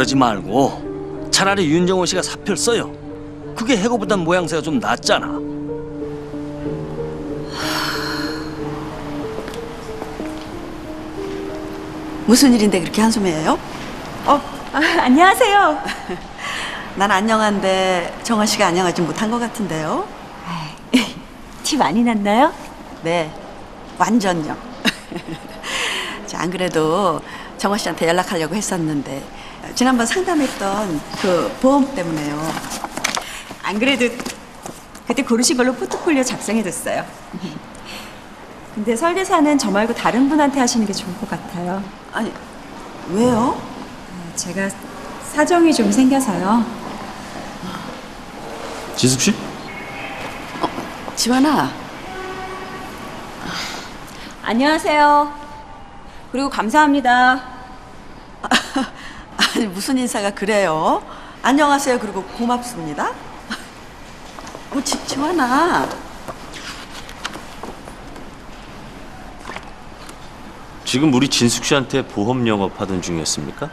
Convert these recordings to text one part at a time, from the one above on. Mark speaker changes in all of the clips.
Speaker 1: 그러지 말고 차라리 윤정호 씨가 사표를 써요. 그게 해고보단 모양새가 좀 낫잖아.
Speaker 2: 무슨 일인데 그렇게 한숨해요?
Speaker 3: 안녕하세요.
Speaker 2: 난 안녕한데 정화 씨가 안녕하지 못한 것 같은데요?
Speaker 3: 티 많이 났나요?
Speaker 2: 네, 완전요. 자, 안 그래도 정화 씨한테 연락하려고 했었는데 지난번 상담했던 그 보험 때문에요.
Speaker 3: 안 그래도 그때 고르신 걸로 포트폴리오 작성해뒀어요. 근데 설계사는 저 말고 다른 분한테 하시는 게 좋을 것 같아요.
Speaker 2: 아니, 왜요?
Speaker 3: 제가 사정이 좀 생겨서요.
Speaker 1: 지숙 씨?
Speaker 2: 지환아,
Speaker 3: 안녕하세요. 그리고 감사합니다.
Speaker 2: 아니 무슨 인사가 그래요? 안녕하세요. 그리고 고맙습니다. 지환아.
Speaker 4: 지금 우리 진숙 씨한테 보험 영업하던 중이었습니까?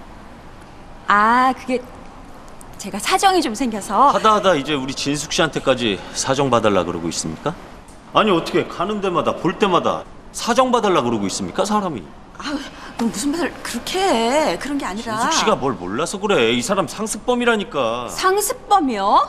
Speaker 3: 그게 제가 사정이 좀 생겨서.
Speaker 4: 하다 이제 우리 진숙 씨한테까지 사정 봐달라 그러고 있습니까? 아니 어떻게 가는 데마다 볼 때마다 사정 봐달라 그러고 있습니까 사람이?
Speaker 2: 너 무슨 말을 그렇게 해? 그런 게 아니라.
Speaker 4: 진숙 씨가 뭘 몰라서 그래. 이 사람 상습범이라니까.
Speaker 3: 상습범이요?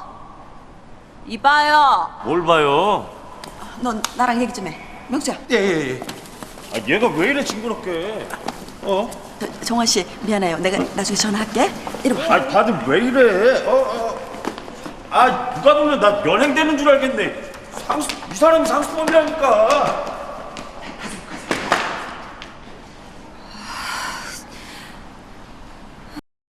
Speaker 3: 이봐요.
Speaker 4: 뭘 봐요?
Speaker 2: 넌 나랑 얘기 좀 해. 명수야.
Speaker 4: 예예예. 아 얘가 왜 이래 징그럽게?
Speaker 2: 정화 씨 미안해요. 내가 나중에 전화할게. 이리 와.
Speaker 4: 아 다들 왜 이래? 아 누가 보면 나 연행되는 줄 알겠네. 이 사람이 상습범이라니까.